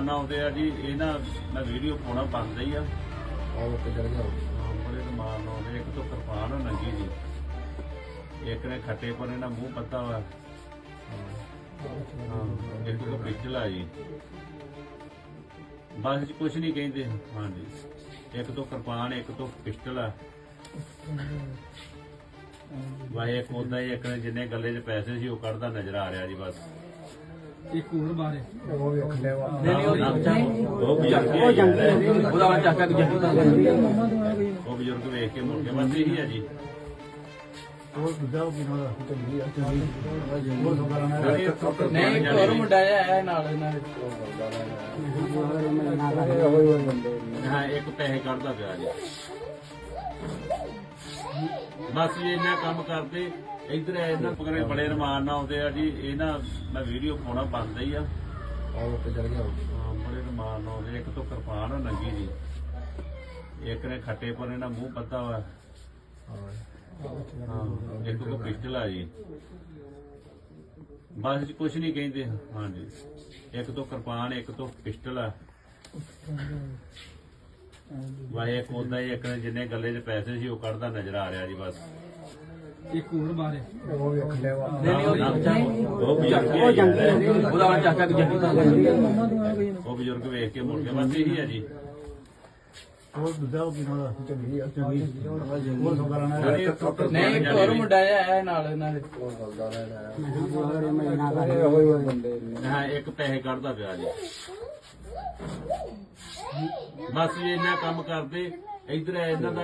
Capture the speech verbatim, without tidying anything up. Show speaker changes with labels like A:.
A: ਰਮਾਨ ਨਾਲ ਆਉਂਦੇ ਆ ਜੀ। ਇਹ ਨਾ ਮੈਂ ਵੀਡੀਓ ਪਾਉਣਾ ਬੰਦ ਹੀ ਆ। ਬੜੇ ਰਮਾਨ ਨਾਲ ਆਉਂਦੇ। ਇੱਕ ਤੋਂ ਕਿਰਪਾਨ ਨੰਗੀ ਜੀ, ਇੱਕ ਨੇ ਖੱਟੇ ਪਰੇ ਨਾਲ ਮੂੰਹ ਪੱਤਾ ਵਾ, ਇੱਕ ਤੋਂ ਪਿਸਟਲ ਆ ਜੀ। ਬਸ ਜੀ ਕੁਛ ਨਹੀਂ ਕਹਿੰਦੇ। ਹਾਂਜੀ, ਇੱਕ ਤੋਂ ਕਿਰਪਾਨ, ਇੱਕ ਤੋਂ ਪਿਸਟਲ ਆ। ਵਾਏ ਇੱਕ ਉਦਾਂ ਹੀ ਇੱਕ ਨੇ ਜਿੰਨੇ ਗੱਲੇ 'ਚ ਪੈਸੇ ਸੀ ਉਹ ਕੱਢਦਾ ਨਜ਼ਰ ਆ ਰਿਹਾ ਜੀ। ਬਸ
B: ਇੱਕ ਹੋਰ ਬਾਰੇ
A: ਉਹ ਬਜ਼ੁਰਗ ਹੀ ਆ ਜੀ। ਉਹ ਬਜ਼ੁਰਗ ਵੇਖ ਕੇ ਮੁੜ ਕੇ ਬਸ ਇਹੀ ਆ ਜੀ।
B: ਨਹੀਂ ਇੱਕ ਹੋਰ ਮੁੰਡਾ ਹੈ ਨਾਲ ਇਹਨਾਂ
A: ਹਾਂ, ਇੱਕ ਪੈਸੇ ਕੱਢਦਾ ਪਿਆ ਜੀ। ਬਸ ਜੀ ਇੰਨਾ ਕੰਮ ਕਰਦੇ। ਇੱਧਰ ਇਹਨਾਂ ਪਕੜੇ ਬੜੇ ਰਮਾਨ ਨਾਲ ਆਉਂਦੇ ਆ ਜੀ। ਇਹ ਨਾ ਮੈਂ ਵੀਡੀਓ ਪਾਉਣਾ ਬੰਦ ਹੀ ਆ। ਬੜੇ ਰਮਾਨ ਨਾਲ ਆਉਂਦੇ। ਇੱਕ ਤੋਂ ਕਿਰਪਾਨ ਨੰਗੀ ਜੀ, ਇੱਕ ਨੇ ਖੱਟੇ ਪਰੇ ਨਾਲ ਮੂੰਹ ਪੱਤਾ ਵਾ, ਇੱਕ ਤੋਂ ਪਿਸਟਲ ਆ ਜੀ। ਬਸ ਜੀ ਕੁਛ ਨਹੀਂ ਕਹਿੰਦੇ। ਹਾਂਜੀ, ਇੱਕ ਤੋਂ ਕਿਰਪਾਨ, ਇੱਕ ਤੋਂ ਪਿਸਟਲ ਆ। ਵਾਏ ਇੱਕ ਉਦਾਂ ਹੀ ਇੱਕ ਨੇ ਜਿੰਨੇ ਗੱਲੇ 'ਚ ਪੈਸੇ ਸੀ ਉਹ ਕੱਢਦਾ ਨਜ਼ਰ ਆ ਰਿਹਾ ਜੀ। ਬਸ
B: ਇੱਕ ਹੋਰ ਬਾਰੇ
A: ਉਹ ਬਜ਼ੁਰਗ ਹੀ ਆ ਜੀ। ਉਹ ਬਜ਼ੁਰਗ ਵੇਖ ਕੇ ਮੁੜ ਕੇ ਬਸ ਇਹੀ ਆ ਜੀ।
B: ਨਹੀਂ ਇੱਕ ਹੋਰ ਮੁੰਡਾ ਹੈ ਨਾਲ ਇਹਨਾਂ
A: ਹਾਂ, ਇੱਕ ਪੈਸੇ ਕੱਢਦਾ ਪਿਆ ਜੀ। ਬਸ ਜੀ ਇੰਨਾ ਕੰਮ ਕਰਦੇ। ਇੱਧਰ ਇਹਨਾਂ ਦਾ